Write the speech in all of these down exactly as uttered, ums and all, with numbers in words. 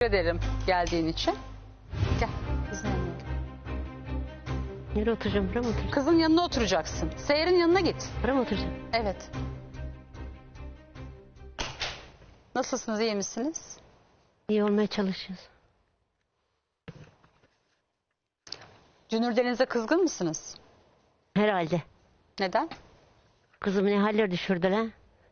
Teşekkür ederim geldiğin için. Gel kızın yanına. Nereye oturacağım? Buraya mı oturacağım? Kızın yanına oturacaksın. Seher'in yanına git. Buraya mı oturacağım? Evet. Nasılsınız, iyi misiniz? İyi olmaya çalışıyoruz. Dünür Deniz'e kızgın mısınız? Herhalde. Neden? Kızımı ne haller düşürdüler.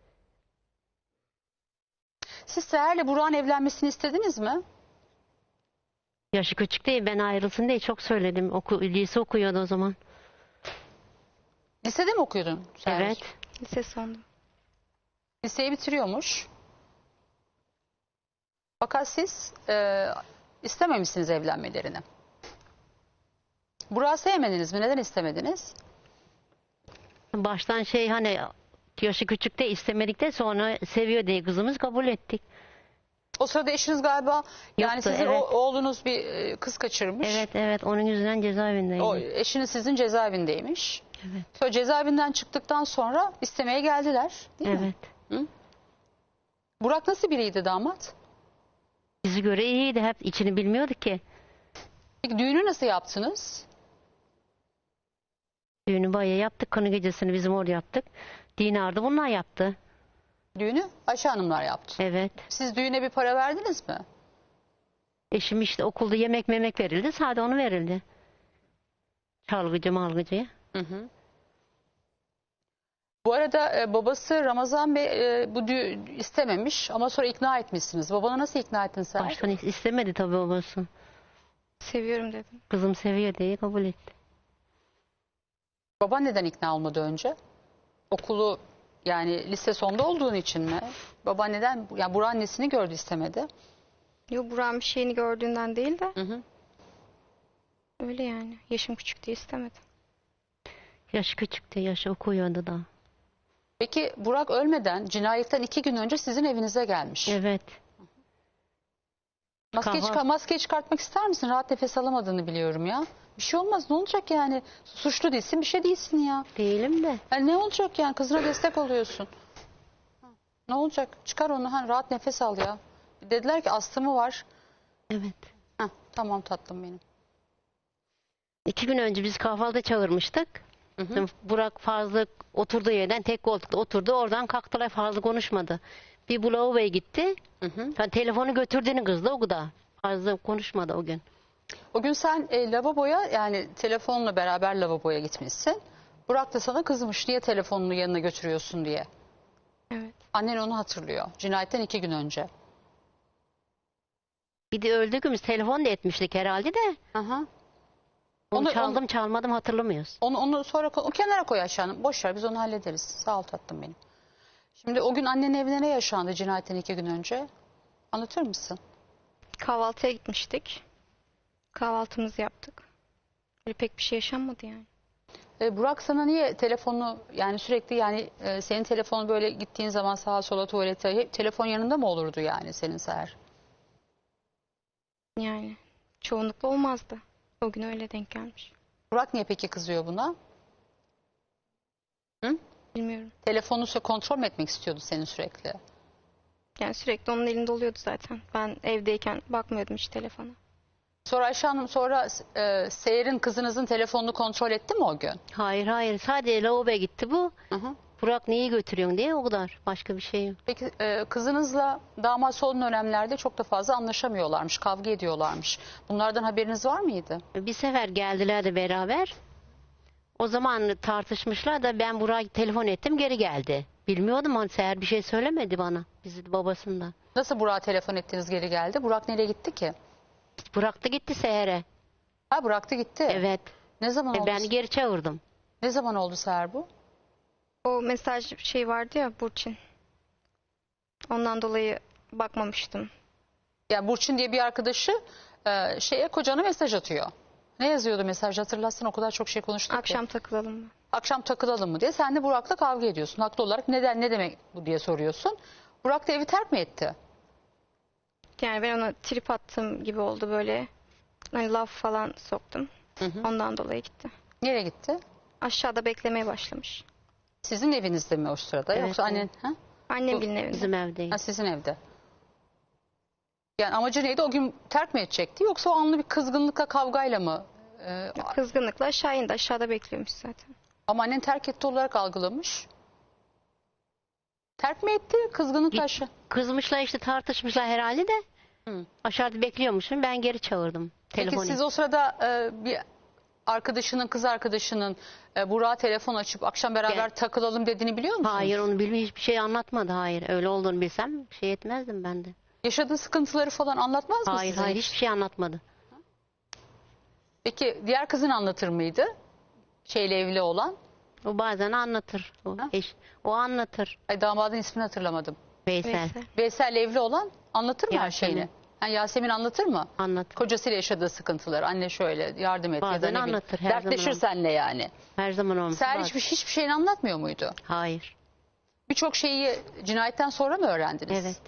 Siz Seher'le Burak'ın evlenmesini istediniz mi? Yaşı küçük değil, ben ayrılsın diye çok söyledim. Oku, lise okuyordu o zaman. Lisede mi okuyordun Seher? Evet. Lise sonunda. Liseyi bitiriyormuş. Fakat siz e, istememişsiniz evlenmelerini. Burak'ı sevmediniz mi? Neden istemediniz? Baştan şey hani yaşı küçük de istemedik de sonra seviyor diye kızımız kabul ettik. O sırada eşiniz galiba yani Yoktu, sizin evet. o- oğlunuz bir e, kız kaçırmış. Evet evet onun yüzünden cezaevindeydi. O eşiniz sizin cezaevindeymiş. Evet. Sonra cezaevinden çıktıktan sonra istemeye geldiler, değil mi? Evet. Burak nasıl biriydi damat? Bizi göre iyiydi, hep içini bilmiyorduk ki. Peki düğünü nasıl yaptınız? Düğünü bayağı yaptık, kına gecesini bizim orada yaptık. Dinar'da bunlar yaptı. Düğünü Ayşe Hanımlar yaptı. Evet. Siz düğüne bir para verdiniz mi? Eşim işte okulda yemek memek verildi. Sadece onu verildi. Çalgıcı malgıcıya. Hı hı. Bu arada e, babası Ramazan Bey e, bu düğün istememiş ama sonra ikna etmişsiniz. Babanı nasıl ikna ettin sen? Baştan istemedi tabii babası. Seviyorum dedim. Kızım seviyor diye kabul etti. Baban neden ikna olmadı önce? Okulu yani lise sonda olduğun için mi? Baba neden? Yani Burak'ın annesini gördü istemedi. Yok, Burak'ın bir şeyini gördüğünden değil de Hı hı. öyle yani. Yaşım küçük diye istemedim. Yaşı küçüktü, yaşı okuyordu da. Peki Burak ölmeden cinayetten iki gün önce sizin evinize gelmiş. Evet. Maske, Kahvaltı- çıkar, maske çıkartmak ister misin? Rahat nefes alamadığını biliyorum ya. Bir şey olmaz, ne olacak yani? Suçlu değilsin, bir şey değilsin ya. Değilim de. Yani ne olacak yani? Kızına destek oluyorsun. Ne olacak? Çıkar onu, ha, rahat nefes al ya. Dediler ki astımı var. Evet. Heh, tamam tatlım benim. İki gün önce biz kahvaltı çağırmıştık. Hı hı. Burak fazla oturduğu yerden tek koltukta oturdu. Oradan kalktılar, fazla konuşmadı. Bir bu lavaboya gitti. Hı hı. Yani telefonu götürdüğünü kızdı o kadar. Fazla konuşmadı o gün. O gün sen e, lavaboya yani telefonla beraber lavaboya gitmişsin. Burak da sana kızmış, niye telefonunu yanına götürüyorsun diye. Evet. Annen onu hatırlıyor. Cinayetten iki gün önce. Bir de öldüğümüz telefon da etmiştik herhalde de. Aha. Onu, Onu- çaldım çalmadım hatırlamıyoruz. Onu, onu sonra ko- o kenara koy aşağıya. Boş ver, biz onu hallederiz. Sağ ol tatlım benim. Şimdi o gün annenin evine ne yaşandı cinayetten iki gün önce? Anlatır mısın? Kahvaltıya gitmiştik. Kahvaltımızı yaptık. Öyle pek bir şey yaşanmadı yani. E, Burak sana niye telefonu yani sürekli yani e, senin telefonu böyle gittiğin zaman sağa sola tuvalete hep telefon yanında mı olurdu yani senin Seher? Yani çoğunlukla olmazdı. O gün öyle denk gelmiş. Burak niye peki kızıyor buna? Hı? Bilmiyorum. Telefonu sö- kontrol mü etmek istiyordu senin sürekli? Yani sürekli onun elinde oluyordu zaten. Ben evdeyken bakmıyordum hiç telefona. Sonra Ayşe Hanım sonra e, Seher'in kızınızın telefonunu kontrol etti mi o gün? Hayır hayır, sadece lavaboya gitti bu. Hı hı. Burak neyi götürüyorsun diye, o kadar. Başka bir şey yok. Peki e, kızınızla damat son dönemlerde çok da fazla anlaşamıyorlarmış, kavga ediyorlarmış. Bunlardan haberiniz var mıydı? Bir sefer geldiler de beraber. O zaman tartışmışlar da ben Burak'a telefon ettim, geri geldi. Bilmiyordum, hani Seher bir şey söylemedi bana. Bizi babasından. Nasıl Burak'a telefon ettiniz geri geldi? Burak nereye gitti ki? Burak da gitti Seher'e. Ha bıraktı gitti. Evet. Ne zaman E, oldu? ben geri çağırdım. Ne zaman oldu Seher bu? O mesaj şey vardı ya, Burçin. Ondan dolayı bakmamıştım. Yani Burçin diye bir arkadaşı e, şeye kocana mesaj atıyor. Ne yazıyordu mesaj, hatırlatsın, o kadar çok şey konuştuk Akşam ki. takılalım mı? Akşam takılalım mı diye. Sen de Burak'la kavga ediyorsun. Haklı olarak neden, ne demek bu diye soruyorsun. Burak da evi terk mi etti? Yani ben ona trip attığım gibi oldu böyle. Hani laf falan soktum. Hı hı. Ondan dolayı gitti. Nereye gitti? Aşağıda beklemeye başlamış. Sizin evinizde mi o sırada? Evet, Yoksa annen? Ha? Annemgilin evinde. Bizim evdeyiz. Ha, sizin evde. Yani amacı neydi? O gün terk mi edecekti? Yoksa o anlı bir kızgınlıkla, kavgayla mı? Ee, Kızgınlıkla aşağı indi. Aşağıda bekliyormuş zaten. ama annen terk etti olarak algılamış. Terk mi etti? Kızgınlıkla Git- aşağı. Kızmışlar işte, tartışmışlar herhalde de. Hı. Aşağıda bekliyormuşum. Ben geri çağırdım. Peki Telefonu. siz o sırada e, bir arkadaşının, kız arkadaşının e, Burak'a telefon açıp akşam beraber Gel. takılalım dediğini biliyor musunuz? Hayır, onu bilmiyor, hiçbir şey anlatmadı. Hayır, öyle olduğunu bilsem şey etmezdim ben de. Yaşadığı sıkıntıları falan anlatmaz mı Hayır size? hayır, hiçbir şey anlatmadı. Peki diğer kızın anlatır mıydı? Şeyle evli olan. O bazen anlatır. O, Ha? eş, o anlatır. Ay, damadın ismini hatırlamadım. Veysel, Veysel. Veysel'le evli olan anlatır mı her Yasemin. şeyini? Ha, Yasemin anlatır mı? anlatır. Kocasıyla yaşadığı sıkıntıları. Anne şöyle yardım et ya da Bazen ne bileyim. anlatır, her zaman Dertleşir anlatır. seninle yani. Her zaman olmuş. Seher Bazen- hiçbir, hiçbir şeyini anlatmıyor muydu? Hayır. Birçok şeyi cinayetten sonra mı öğrendiniz? Evet.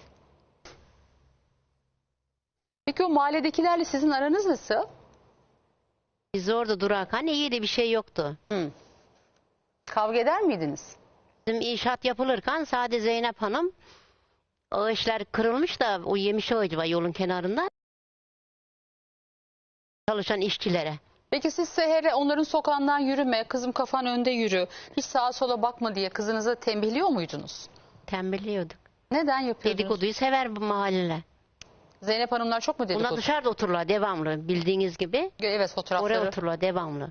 Peki o mahalledekilerle sizin aranız nasıl? Biz orada durarken iyiydi, bir şey yoktu. Hı. Kavga eder miydiniz? Bizim inşaat yapılırken sadece Zeynep Hanım, o işler kırılmış da o yemiş ağacı var yolun kenarında. Çalışan işçilere. Peki siz Seher'e onların sokağından yürüme, kızım kafan önde yürü, hiç sağa sola bakma diye kızınıza tembihliyor muydunuz? Tembelliyorduk. Neden yapıyordunuz? Dedikoduyu sever bu mahalleler. Zeynep Hanımlar çok mu dedikodu? Bunlar dışarıda otururlar devamlı, bildiğiniz gibi. Evet, fotoğrafları. Oraya otururlar devamlı.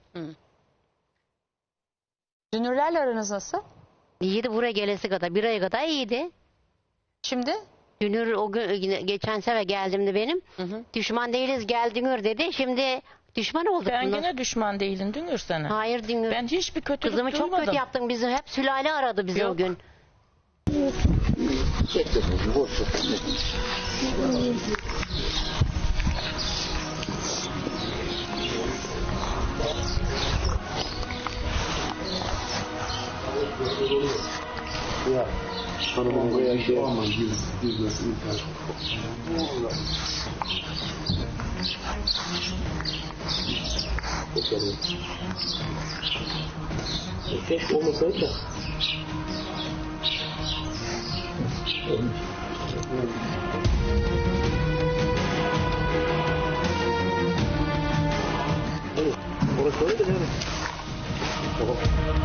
Dünürlerle aranız nasıl? İyiydi, buraya gelesi kadar. Bir aya kadar iyiydi. Şimdi? Dünür o gün, geçen sefer geldiğimde benim. Hı hı. Düşman değiliz, gel Dünür dedi. Şimdi düşman olduk. Ben bundan. gene düşman değilim Dünür sana. Hayır Dünür. Ben hiçbir kötülük Kızımı çok duymadım. kötü yaptın. Bizi hep sülale aradı bizi o Yok. gün. Ya hanımın buraya şey yapmam giz, gizlesin imkan. Bakalım. Keşke olmasaydı da. Evet, orası öyle de yani. Tamam.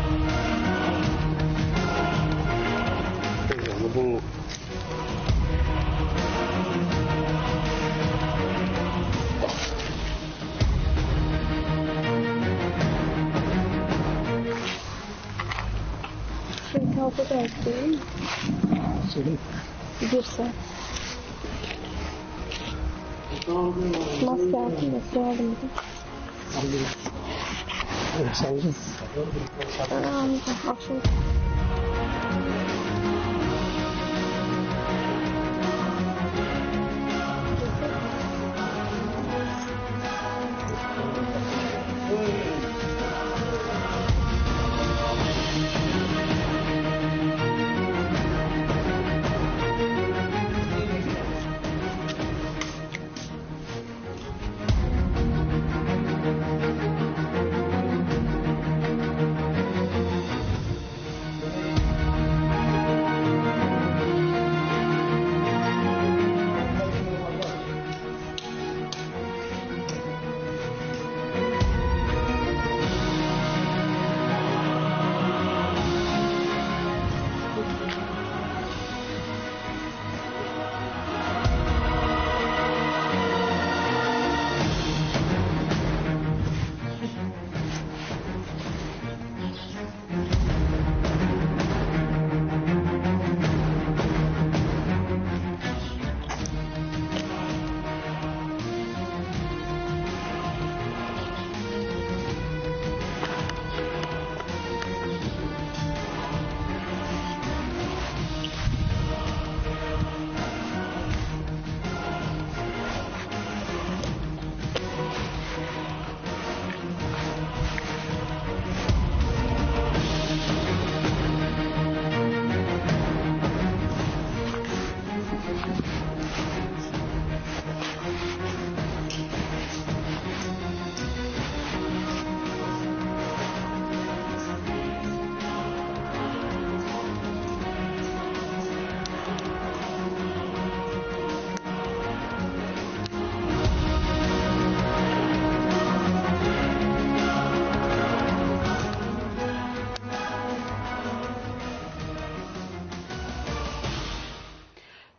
Yani bu Şimdi kavga da yaptım. senin Girse. Maske yaptım da sığalım bir de. evet, savcım. Ben almayacağım. Akşam.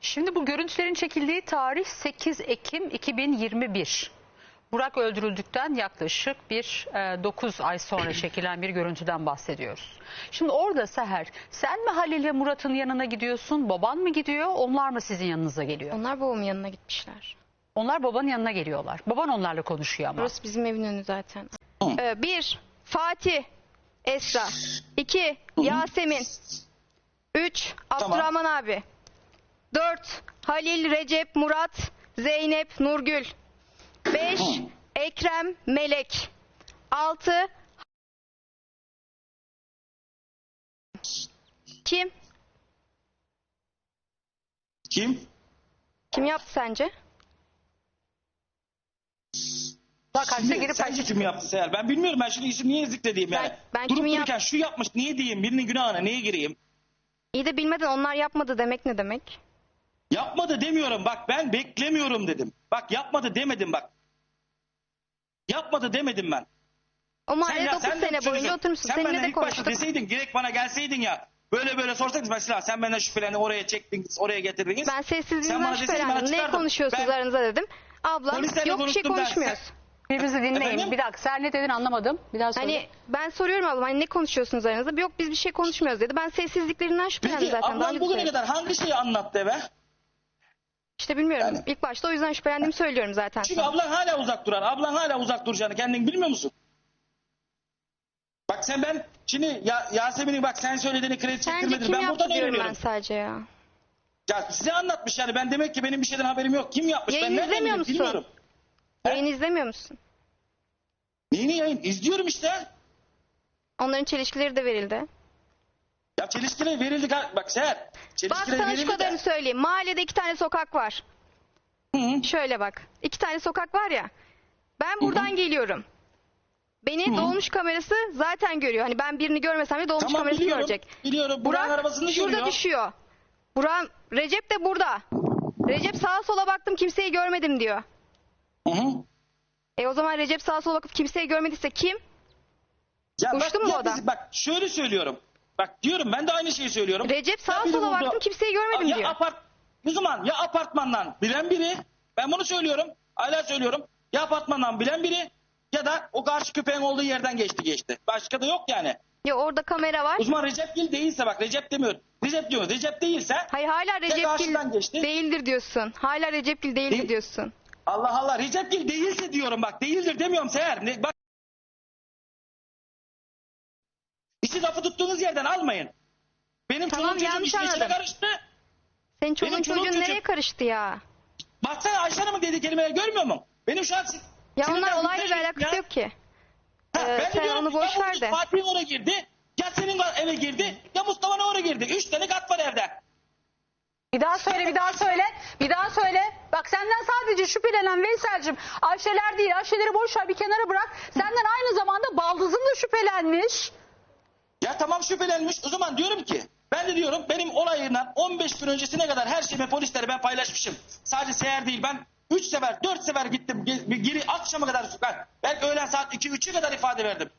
Şimdi bu görüntülerin çekildiği tarih sekiz Ekim iki bin yirmi bir. Burak öldürüldükten yaklaşık bir e, dokuz ay sonra çekilen bir görüntüden bahsediyoruz. Şimdi orada Seher, sen mi Halil ve Murat'ın yanına gidiyorsun, baban mı gidiyor, onlar mı sizin yanınıza geliyor? Onlar babamın yanına gitmişler. Onlar babanın yanına geliyorlar. Baban onlarla konuşuyor ama. Burası bizim evin önü zaten. Ee, bir, Fatih, Esra. İki, Yasemin. Üç, Abdurrahman abi. Dört, Halil, Recep, Murat, Zeynep, Nurgül. Beş, Ekrem, Melek. Altı, kim? Kim? Kim yaptı sence? Bak kaçta girip Sen kaçta kim yaptı Seher? Ben bilmiyorum. Ben şimdi isim niye zikredeyim yani. Ben- ben Durup kimin dururken yap- şu yapmış niye diyeyim? Birinin günahına niye gireyim? İyi de bilmeden onlar yapmadı demek ne demek? Yapmadı demiyorum. Bak ben beklemiyorum dedim. Bak yapmadı demedim bak. Yapmadı demedim ben. O mahallede ya- dokuz sen de sene şunu boyunca düşün. oturmuşsun. Sen Seninle benden de ilk başta konuştuk. deseydin direkt bana gelseydin ya. Böyle böyle sorsaydınız mesela sen benden şüphelendin oraya çektiniz oraya getirdiniz. Ben Sen sessizliğinden bana deseydin, ben şüphelendim. Ne açıklardım. konuşuyorsunuz Ben- aranızda dedim. Ablam Polislerle yok bir şey konuştum ben. konuşmuyoruz. Birbirinizi dinleyin. Efendim? Bir dakika, sen ne dedin anlamadım. Bir daha söyle. Hani ben soruyorum ablam hani ne konuşuyorsunuz aranızda? Yok biz bir şey konuşmuyoruz dedi. Ben sessizliklerinden şüphelendim Peki zaten. Daha ablam önce de bugüne söyledim. kadar hangi şeyi anlattı eve? İşte bilmiyorum. Yani- İlk başta o yüzden şüphelendiğimi söylüyorum zaten. Çünkü sana. ablan hala uzak durar. Ablan hala uzak duracağını kendin bilmiyor musun? Bak sen ben şimdi ya, Yasemin'in bak sen söylediğini kredi Sence çektirmedin. kim Ben yaptı buradan diyorum ben öğreniyorum. sadece ya. Ya size anlatmış yani ben demek ki benim bir şeyden haberim yok. Kim yapmış? Yayın ben nereden izlemiyor bileyim? musun? Bilmiyorum. He? Yayın izlemiyor musun? Neyini yayın? İzliyorum işte. Onların çelişkileri de verildi. Ya çelişkileri verildi. gal- Bak Seher. Bak Çelişkileri sana şu verildi kadarını de. söyleyeyim. Mahallede iki tane sokak var. Hı hı. Şöyle bak. İki tane sokak var ya. Ben buradan geliyorum. Beni dolmuş kamerası zaten görüyor. Hani ben birini görmesem de dolmuş Tamam kamerası biliyorum. görecek. Biliyorum. Burak'ın Burak arabasını şurada görüyor. düşüyor. Burak, Recep de burada. Recep sağa sola baktım kimseyi görmedim diyor. Hı hı. E o zaman Recep sağa sola bakıp kimseyi görmediyse kim? Ya Uçtu bak, mu ya o da? biz- Bak şöyle söylüyorum. Bak diyorum ben de aynı şeyi söylüyorum. Recep sağa Ya biri sola vurdu. baktım kimseyi görmedim ya diyor. Apart, o zaman ya apartmandan bilen biri, ben bunu söylüyorum, hala söylüyorum. Ya apartmandan bilen biri ya da o karşı köpeğin olduğu yerden geçti geçti. Başka da yok yani. Ya orada kamera var. O zaman Recep Gil değilse bak Recep demiyorum. Recep diyor. Recep değilse Hayır hala Recep karşıdan Gil geçti. değildir diyorsun. Hala Recep Gil değildir Değil. diyorsun. Allah Allah Recep Gil değilse diyorum bak değildir demiyorum Seher. Ne, bak. İşi lafı tuttuğunuz yerden almayın. Benim Tamam, çoluğum çocuğum yanlış işin içine anladım. karıştı. Senin çoluğun Benim çoluğum çocuğun çocuğum- nereye karıştı ya? Baksana Ayşe Hanım'ın dediği kelimeleri görmüyor musun? Benim şu an... Ya sinirden onlar olayla bir gittim alakası ya. yok ki. Ha, Ee, ben de sen diyorum onu ki, boş ya ver bu de. Fatih'in oraya girdi. Ya senin eve girdi. Ya Mustafa'nın oraya girdi. Üç tane kat var evde. Bir daha söyle, bir daha söyle. Bir daha söyle. Bak senden sadece şüphelenen Veysel'cim Ayşeler değil. Ayşeleri boş ver bir kenara bırak. Senden aynı zamanda baldızın da şüphelenmiş. Ya tamam şüphelenmiş. O zaman diyorum ki ben de diyorum benim olayından on beş gün öncesine kadar her şeyimi polislere ben paylaşmışım. Sadece Seher değil ben üç sefer dört sefer gittim. Ge- Geri akşama kadar ben belki öğlen saat iki üçe kadar ifade verdim.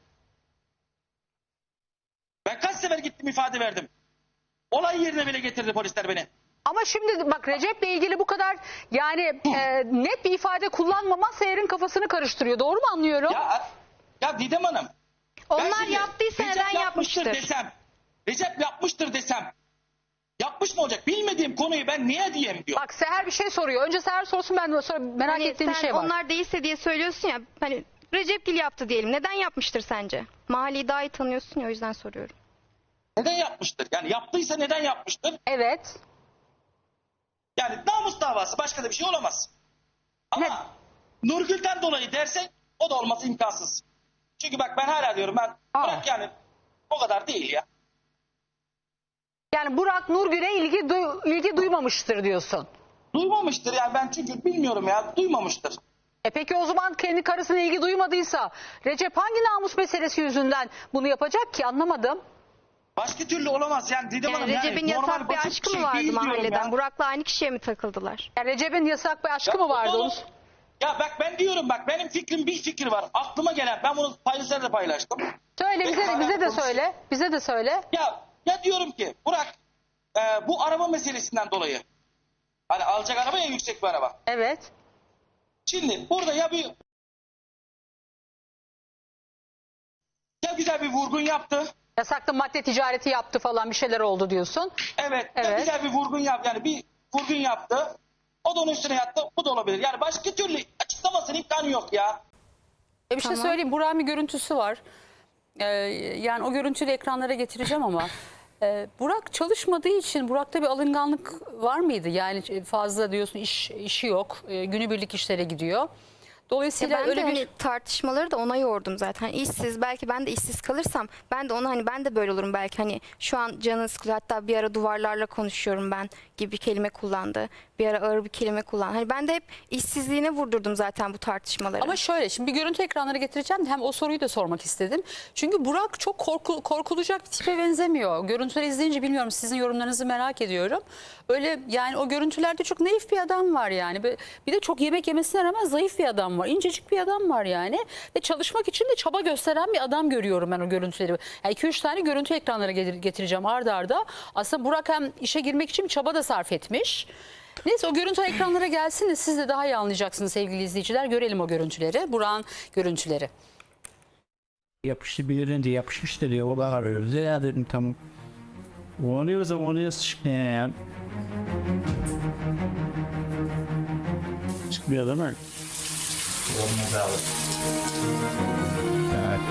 Ben kaç sefer gittim ifade verdim. Olay yerine bile getirdi polisler beni. Ama şimdi bak Recep'le ilgili bu kadar yani e, net bir ifade kullanmaman Seher'in kafasını karıştırıyor. Doğru mu anlıyorum? Ya, ya Didem Hanım. ben Onlar şimdi yaptıysa Recep neden yapmıştır yapmıştır? desem. Recep yapmıştır desem. Yapmış mı olacak? Bilmediğim konuyu ben niye diyeyim diyor. Bak Seher bir şey soruyor. Önce Seher sorsun ben de sonra merak Hani ettiğim bir sen şey var. onlar değilse diye söylüyorsun ya. Hani Recep Gil yaptı diyelim. Neden yapmıştır sence? Mahalleyi daha iyi tanıyorsun ya o yüzden soruyorum. Neden yapmıştır? Yani yaptıysa neden yapmıştır? Evet. Yani namus davası başka da bir şey olamaz. Ama Ne? Nurgül'den dolayı dersek o da olması imkansız. Çünkü bak ben hala diyorum ben Aa. bırak yani o kadar değil ya. Yani Burak Nurgül'e ilgi, duy- ilgi duymamıştır diyorsun. Duymamıştır yani ben çünkü bilmiyorum ya duymamıştır. E peki o zaman kendi karısına ilgi duymadıysa Recep hangi namus meselesi yüzünden bunu yapacak ki anlamadım. Başka türlü olamaz yani Didem Yani Hanım Recep'in yani normal yasak bir basit aşkı şey mı vardı değil diyorum mahalleden? ya. Burak'la aynı kişiye mi takıldılar? Yani Recep'in yasak bir aşkı Ya mı vardı? oğlum, Onu... Ya bak ben diyorum bak benim fikrim bir fikir var. Aklıma gelen ben bunu paylaşımda da paylaştım. Söyle bize, Benim bize de konuşuyor. söyle. Bize de söyle. Ya ya diyorum ki Burak e, bu araba meselesinden dolayı Hani alacak araba ya yüksek bir araba. Evet. Şimdi burada ya bir ya güzel bir vurgun yaptı. Yasaklı madde ticareti yaptı falan bir şeyler oldu diyorsun. Evet, ya Evet. güzel bir vurgun yap yani bir vurgun yaptı. O da onun üstüne yattı. Bu da olabilir. Yani başka türlü açıklamasının imkanı yok ya. E bir şey Tamam. söyleyeyim. Burak'ın bir görüntüsü var. Ee, yani o görüntüyü de ekranlara getireceğim ama e, Burak çalışmadığı için Burak'ta bir alınganlık var mıydı? Yani fazla diyorsun iş işi yok. E, günübirlik işlere gidiyor. Ya Dolayısıyla ben öyle de bir hani tartışmaları da ona yordum zaten. Hani işsiz, belki ben de işsiz kalırsam ben de ona hani ben de böyle olurum belki, hani şu an canı sıkılıyor, hatta bir ara duvarlarla konuşuyorum ben gibi bir kelime kullandı. Bir ara ağır bir kelime kullandı. Hani ben de hep işsizliğine vurdurdum zaten bu tartışmaları. Ama şöyle şimdi bir görüntü ekranlara getireceğim. Hem o soruyu da sormak istedim. Çünkü Burak çok korku, korkulacak bir tipe benzemiyor. Görüntüleri izleyince bilmiyorum, sizin yorumlarınızı merak ediyorum. Öyle yani o görüntülerde çok naif bir adam var yani. Bir de çok yemek yemesine rağmen zayıf bir adam var. İncecik bir adam var yani. Ve çalışmak için de çaba gösteren bir adam görüyorum ben o görüntüleri. Yani iki üç tane görüntü ekranlara getireceğim arda arda. Aslında Burak hem işe girmek için bir çaba da sarf etmiş. Neyse o görüntü ekranlara gelsin de siz de daha iyi anlayacaksınız sevgili izleyiciler. Görelim o görüntüleri. Burak'ın görüntüleri. Yapıştı bir yerinde yapışmış dedi. O da arıyoruz. Ya dedim tamam. Oluyorsa oluyor çıkmıyor ya. Çıkmıyor değil mi? Olmaz abi. Evet.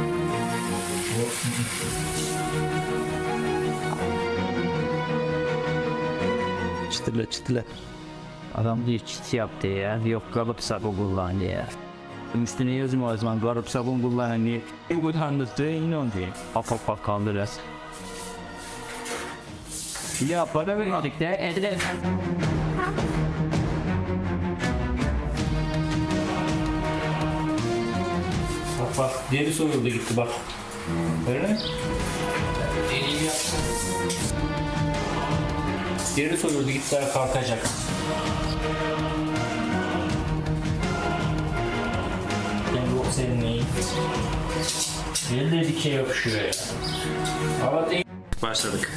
Çıtırla çıtırla. Adam diyor çit yaptı ya. Yok kalıp sabun kullandı ya. Üstüne yazma o zaman kalıp sabun kullandı diye. Bu tanrısı yine onu diye. Afak bak kaldırır. Ya para vermedik de edilir. Bak bak deri soyuldu gitti bak. Öyle mi? Deriyi yaptım. Deri soyuldu gitti kalkacak. Ben yok senin neyin? Deri de dikey yapışıyor ya. Hava değil. Başladık.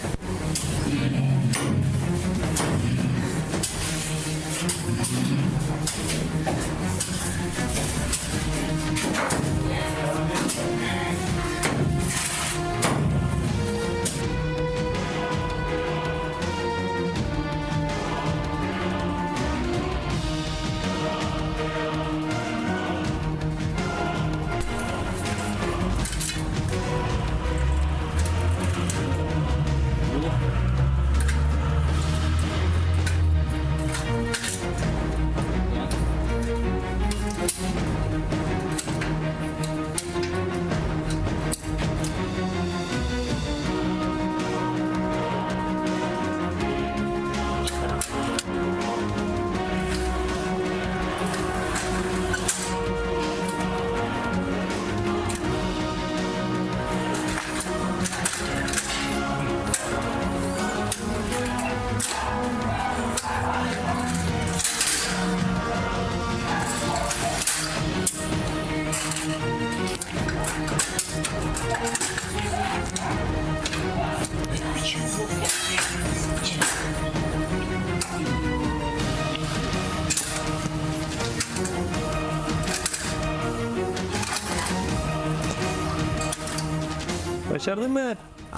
Başardın mı?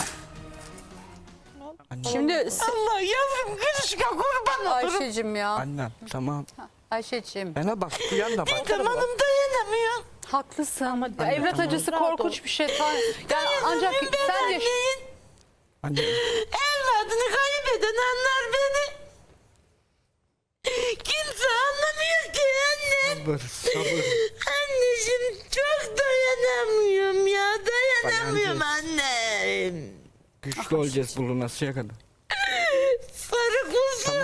Şimdi Allah yavrum kırışka kurban olurum. Ayşe'cim ya. Annem tamam. Ayşe'cim. Bana bak duyan da bak. Tamam dayanamıyor. Haklısın. Ya evlat acısı korkunç bir şey. Ta- Yani ancak Dayanamıyorum ben sen yaş- anneyin. Anne. Evladını kaybeden anlar beni. Kimse anlamıyor ki annem. Sabır sabır. Anneciğim çok dayanamıyorum ya. Dayanamıyorum Dayanacağız. annem. Güçlü olacağız bulunasıya kadar. Sarı kuzu.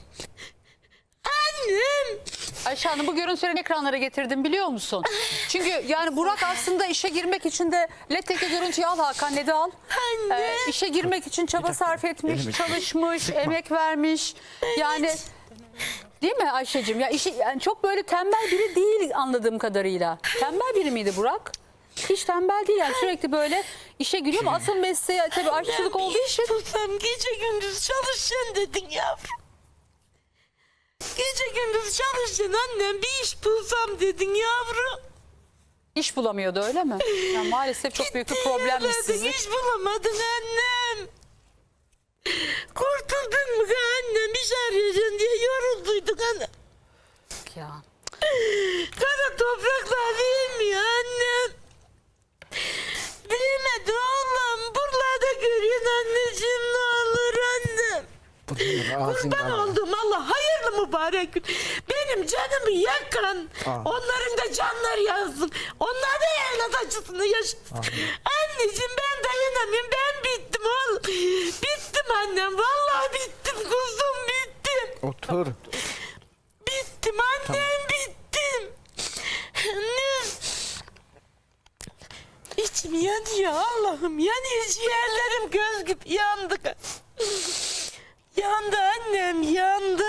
Annem. Ayşe Hanım bu görüntüleri ekranlara getirdim biliyor musun? Çünkü yani Burak aslında işe girmek için de Let'teki görüntüyü al Hakan, ne de al. Anne. Ee, işe girmek için çaba sarf etmiş, Elimi- çalışmış, Sıkma. emek vermiş. Yani değil mi Ayşe'cim? Ya işi, yani çok böyle tembel biri değil anladığım kadarıyla. Tembel biri miydi Burak? Hiç tembel değil yani, sürekli böyle işe giriyor ama asıl mesleği tabii aşçılık olduğu için. Tutsam gece gündüz çalışacaksın dedin yavrum. gündüz çalıştın annem, bir iş bulsam dedin yavrum. İş bulamıyordu öyle mi? Yani maalesef çok büyük bir problem Yerledin, işsizlik. iş bulamadın annem. Kurtuldun mu annem, iş arayacaksın diye yorulduyduk annem. Ya. Kara topraklar bilmiyor annem. Bilmedi oğlum. Buralarda görüyorsun anneciğim, ne olur annem. Bunun ağzından Kurban oldum Allah, hayırlı mübarek gün. Benim canımı yakan, Amin. onların da canları yansın. Onlar da evlat acısını yaşasın. Anneciğim ben dayanamıyorum, ben bittim oğlum. Bittim annem, vallahi bittim kuzum, bittim. Otur. Bittim annem, bittim. Annem. İçim yanıyor Allah'ım, yanıyor ciğerlerim, göz gibi yandı. Yandı annem, yandı.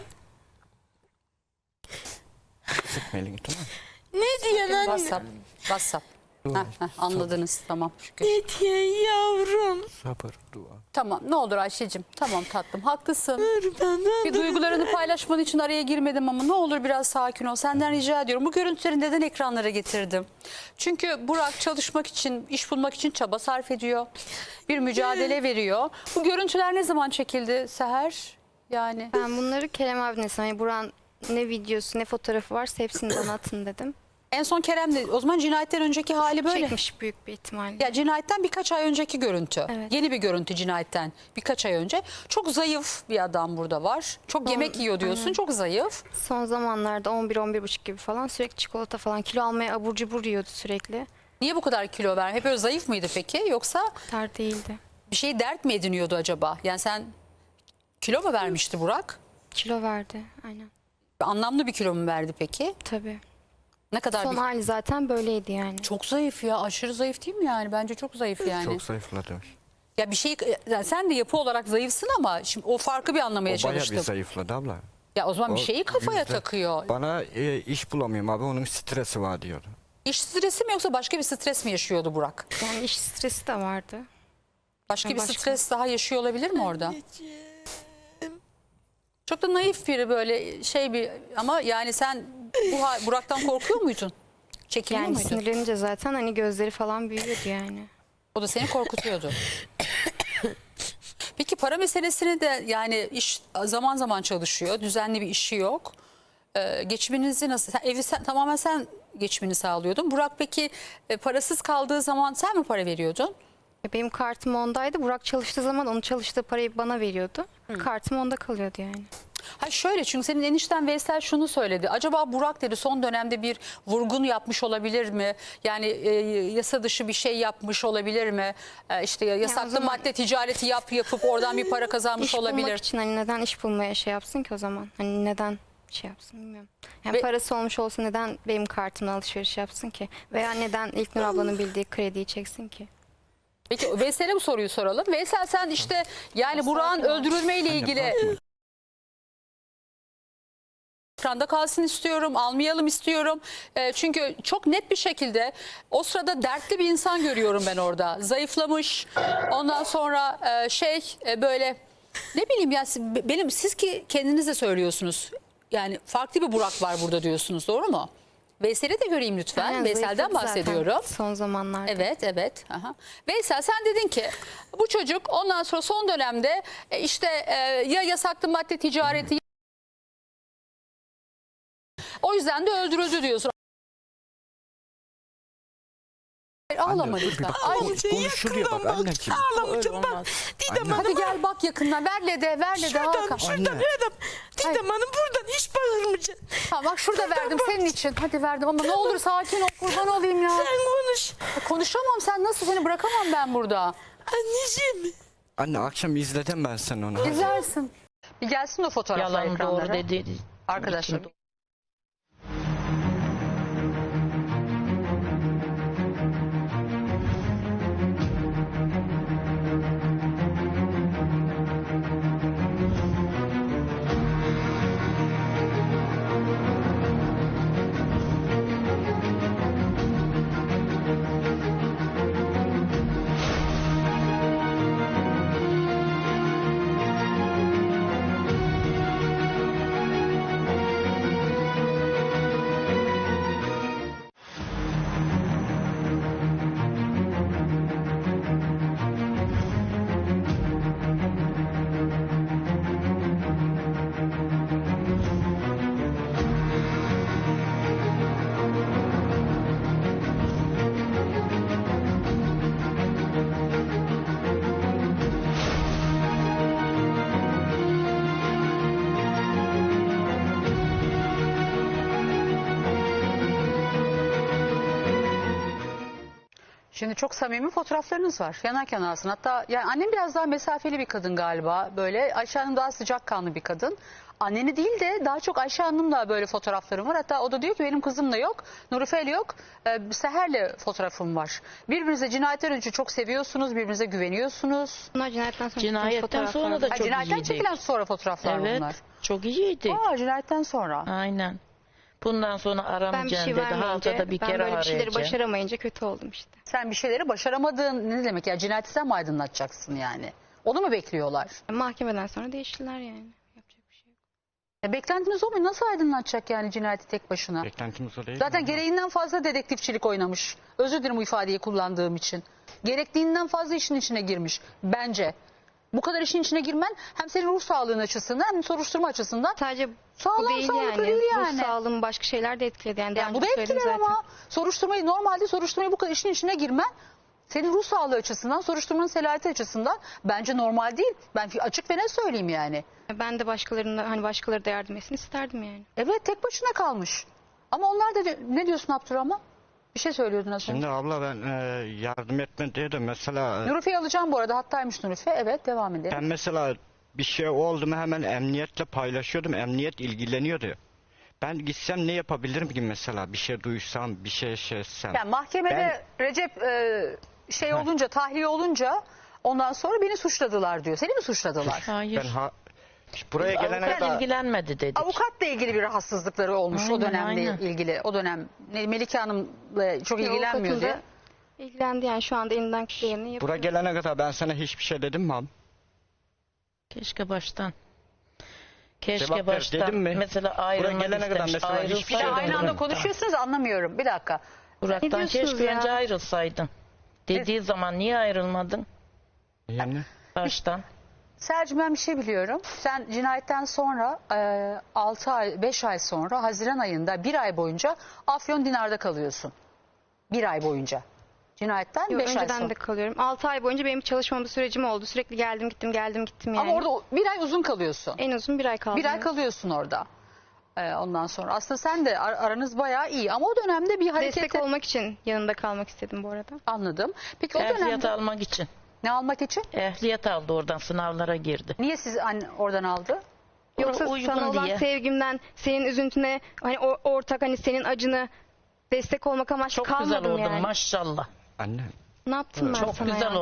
Sıkma elini, tamam mı? Ne diyorsun anne? WhatsApp. WhatsApp. Heh, heh, anladınız tamam şükür. Ne diyorsun yavrum? Sabır, dua. Tamam ne olur Ayşe'cim. Tamam tatlım haklısın. Kurban Bir oldum. duygularını paylaşman için araya girmedim ama ne olur biraz sakin ol. Senden rica ediyorum. Bu görüntüleri neden ekranlara getirdim? Çünkü Burak çalışmak için, iş bulmak için çaba sarf ediyor. Bir mücadele veriyor. Bu görüntüler ne zaman çekildi Seher? Yani Ben bunları Kerem abine hani Buran ne videosu ne fotoğrafı varsa hepsini bana atın dedim. en son Kerem'le o zaman cinayetten önceki hali böyle. Çekmiş büyük bir ihtimalle. Ya cinayetten birkaç ay önceki görüntü. Evet. Yeni bir görüntü cinayetten birkaç ay önce. Çok zayıf bir adam burada var. Çok yemek yiyor diyorsun. aynen. Çok zayıf. Son zamanlarda on bir on bir buçuk gibi falan sürekli çikolata falan kilo almaya abur cubur yiyordu sürekli. Niye bu kadar kilo ver? Hep öyle zayıf mıydı peki? Yoksa Tar değildi. bir şey dert mi ediniyordu acaba? Yani sen kilo mu vermişti Burak? Kilo verdi aynen. Anlamlı bir kilo mu verdi peki? Tabii. Ne kadar Son bir... hali zaten böyleydi yani. Çok zayıf ya. Aşırı zayıf değil mi yani? Bence çok zayıf yani. Çok zayıfladı. Ya bir şey yani sen de yapı olarak zayıfsın ama şimdi o farkı bir O anlamaya bayağı bir çalıştım. zayıfladı abla. Ya o zaman bir O şeyi kafaya yüzde- takıyor. Bana e, iş bulamıyorum abi, onun stresi var diyordu. İş stresi mi yoksa başka bir stres mi yaşıyordu Burak? Yani iş stresi de vardı. Başka bir Başka. stres daha yaşıyor olabilir mi orada? Çok da naif biri böyle şey bir ama yani sen bu ha- Burak'tan korkuyor muydun? Çekiniyor Yani muydun? sinirlenince zaten hani gözleri falan büyüyordu yani. O da seni korkutuyordu. Peki para meselesini de yani iş zaman zaman çalışıyor. Düzenli bir işi yok. Ee, geçiminizi nasıl? Sen, evi sen, tamamen sen geçimini sağlıyordun. Burak peki e, parasız kaldığı zaman sen mi para veriyordun? E, Benim kartım ondaydı. Burak çalıştığı zaman onun çalıştığı parayı bana veriyordu. Kartım onda kalıyordu yani. Ha şöyle çünkü senin enişten Veysel şunu söyledi. Acaba Burak dedi son dönemde bir vurgun yapmış olabilir mi? Yani e, yasa dışı bir şey yapmış olabilir mi? E, işte yasaklı zaman- madde ticareti yap yapıp oradan bir para kazanmış İş bulmak olabilir. için hani neden iş bulmaya şey yapsın ki o zaman? Hani neden şey yapsın bilmiyorum. Yani Ve- parası olmuş olsa neden benim kartımla alışveriş yapsın ki? Veya neden İlknur ablanın bildiği krediyi çeksin ki? Peki Veysel'e bu soruyu soralım. Veysel sen işte yani Burak'ın öldürülmeyle ilgili bakma. ekranda kalsın istiyorum, almayalım istiyorum. E, çünkü çok net bir şekilde o sırada dertli bir insan görüyorum ben orada. Zayıflamış. Ondan sonra e, şey e, böyle ne bileyim ya siz- benim siz ki kendiniz de söylüyorsunuz. Yani farklı bir Burak var burada diyorsunuz. Doğru mu? Veysel'i de göreyim lütfen. Aynen, Veysel'den zayıfladı zaten bahsediyorum. son zamanlarda. Evet, evet. Aha. Veysel sen dedin ki bu çocuk ondan sonra son dönemde e, işte e, ya yasaklı madde ticareti o yüzden de öldürüldü diyorsun. Ağlama Anne, dur bir lütfen. bak, Ay, konuş- konuşuluyor bak anneciğim. Ağlamayacağım bak. Didem Anne. hadi gel bak yakından ver Lede ver Lede Şuradan, Hakan. şuradan Anne. Erdem. Didem Hanım buradan iş bağırmayacaksın. Ha, bak şurada verdim senin için. Hadi verdim ama ne olur sakin ol kurban olayım ya. Sen konuş. Konuşamam sen nasıl seni bırakamam ben burada. Anneciğim. Anne akşam izledim ben sen onu. İzlersin. Bir gelsin o fotoğraflar Yalan ekranlara. doğru dedi. Arkadaşlar. Şimdi çok samimi fotoğraflarınız var. Yanar yanarsın. Hatta yani annem biraz daha mesafeli bir kadın galiba. Böyle Ayşe Hanım daha sıcakkanlı bir kadın. Anneni değil de daha çok Ayşe Hanım'la böyle fotoğraflarım var. Hatta o da diyor ki benim kızımla yok, Nurife'yle yok, e, Seher'le fotoğrafım var. Birbirinize cinayetten önce çok seviyorsunuz, birbirinize güveniyorsunuz. Bunlar cinayetten sonra Cinayetten çekilmiş sonra fotoğraflar. da Ha, çok cinayetten iyiydik. çekilen sonra fotoğraflar Evet. bunlar. Çok iyiydi. Aa, cinayetten sonra. Aynen. Bundan sonra Ben bir aramayacaksın şey dedi. vermeyince, Haftada bir ben kere böyle bir şeyleri arayacaksın. başaramayınca kötü oldum işte. Sen bir şeyleri başaramadığın ne demek ya? Cinayeti sen mi aydınlatacaksın yani? Onu mu bekliyorlar? Mahkemeden sonra değiştiler yani. Yapacak bir şey yok. E, beklentiniz o mu? Nasıl aydınlatacak yani cinayeti tek başına? Beklentimiz o değil. Zaten mi? gereğinden fazla dedektifçilik oynamış. Özür dilerim bu ifadeyi kullandığım için. Gerektiğinden fazla işin içine girmiş bence. Bu kadar işin içine girmen hem senin ruh sağlığın açısından hem soruşturma açısından Sadece sağlam, bu değil sağlıklı yani. değil Ruh yani. sağlığımı başka şeyler de etkiledi. Yani, daha Yani bu önce da söyledim etkiler zaten. ama soruşturmayı normalde soruşturmayı bu kadar işin içine girmen senin ruh sağlığı açısından, soruşturmanın selahiyeti açısından bence normal değil. Ben açık ve ne söyleyeyim yani. Ben de başkalarına hani başkaları da yardım etsin isterdim yani. Evet tek başına kalmış. Ama onlar da ne diyorsun Abdurrahman? Bir şey söylüyordun az önce. Şimdi abla ben e, yardım etme diye de mesela e, Nurife'yi alacağım bu arada. Hattaymış Nurife. Evet devam edelim. ben mesela bir şey oldu mu hemen emniyetle paylaşıyordum. Emniyet ilgileniyordu. Ben gitsem ne yapabilirim ki mesela? Bir şey duysam, bir şey şey etsem. Yani mahkemede Recep e, şey olunca, tahliye olunca ondan sonra beni suçladılar diyor. Seni mi suçladılar? Hayır. Ben ha, buraya gelene Avukat kadar ilgilenmedi dedik. Avukatla ilgili bir rahatsızlıkları olmuş o Aynen, dönemle aynen. ilgili. O dönem ne- Melike Hanım'la çok Ya, ilgilenmiyordu. avukatın da ilgilendi yani şu anda elinden geleni yapıyor. buraya gelene kadar ben sana hiçbir şey dedim mi abi? Keşke baştan. Keşke Cevap ver, baştan. dedim mi? Mesela Buraya ayrılmak gelene kadar istemiş. mesela hiçbir Bir de şey Ayrılsaydın. aynı anda demedim. konuşuyorsunuz anlamıyorum. Bir dakika. Ne Burak'tan diyorsunuz keşke ya? önce ayrılsaydın. Dediği zaman niye ayrılmadın Yani baştan? Sercim ben bir şey biliyorum. Sen cinayetten sonra altı ay beş ay sonra Haziran ayında bir ay boyunca Afyon Dinar'da kalıyorsun. Bir ay boyunca. Cinayetten Yok, beş ay önceden sonra. de kalıyorum. altı ay boyunca benim çalışmama sürecim oldu. Sürekli geldim gittim geldim gittim yani. Ama orada o- bir ay uzun kalıyorsun. en uzun bir ay kaldım. Bir ay kalıyorsun orada. Ee, ondan sonra aslında sen de ar- aranız bayağı iyi ama o dönemde bir hareket Destek olmak için yanında kalmak istedim bu arada. anladım. Peki o Ehliyet dönemde almak için. ne almak için? Ehliyet aldı oradan, sınavlara girdi. Niye siz anne oradan aldı? Yoksa uygun sana olan diye. sevgimden, senin üzüntüne, hani o- ortak hani senin acını destek olmak amaçlı Çok güzel kalmadım oldun yani. maşallah. anne Ne yaptım ben Çok sana güzel ya? oldun.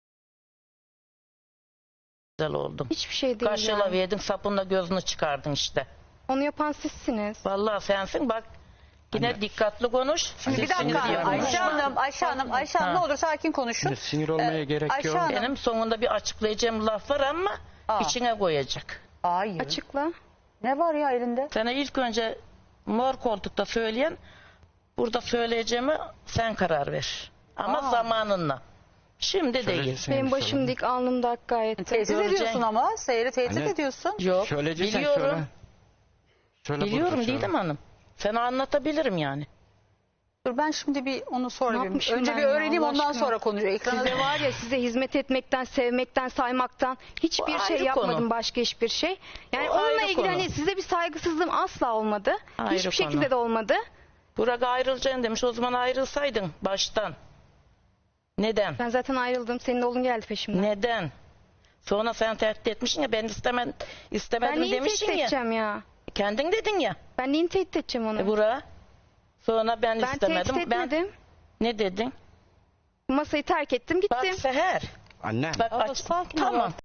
Güzel oldun. Hiçbir şey değil Kaşıyla yani. verdin, sapınla gözünü çıkardın işte. Onu yapan sizsiniz. Vallahi sensin bak. Yine Anne. dikkatli konuş. Şimdi bir Sizsiniz dakika yani. Ayşe Hanım, Ayşe Hanım, Ayşe Hanım Ha. ne olur sakin konuşun. şimdi sinir olmaya Ee, gerek Ayşe yok. Hanım. Benim sonunda bir açıklayacağım laf var ama Aa. içine koyacak. Hayır. Açıkla. Ne var ya elinde? Sana ilk önce mor koltukta söyleyen, burada söyleyeceğimi sen karar ver. Ama Aa. zamanınla. Şimdi Şöyle değil. desene Benim bir başım söyle. dik, alnım da ak gayet. de. Tehdit Göreceksin. ediyorsun ama. Seyri tehdit Anne. ediyorsun. Yok. Söyleyeceksen Biliyorum. söyle. Söyle Biliyorum burada, söyle. Didem Hanım. Sana anlatabilirim yani. Dur ben şimdi bir onu sonra Ne bir, yapmışım önce ben bir ya, öğreneyim Allah ondan aşkına? sonra konuşacağım. Ekrana Size var ya, size hizmet etmekten, sevmekten, saymaktan hiçbir O şey ayrı yapmadım, konu. başka hiçbir şey. Yani O onunla ayrı ilgili konu. hani size bir saygısızlığım asla olmadı. Ayrı Hiçbir konu. şekilde de olmadı. Burak ayrılacaksın demiş. O zaman ayrılsaydın baştan. Neden? Ben zaten ayrıldım. Senin oğlun geldi peşimden. Neden? Sonra sen tehdit etmişsin ya, ben istemem, Ben istemedim neyi tehdit demişsin ya. edeceğim ya? Kendin dedin ya. Ben neyi tehdit edeceğim onu? E Burak. Sonra ben, ben istemedim. tehdit etmedim. Ne dedin? Masayı terk ettim Bak gittim. Seher. Anne. Bak Abla, aç. sakin ol. Tamam.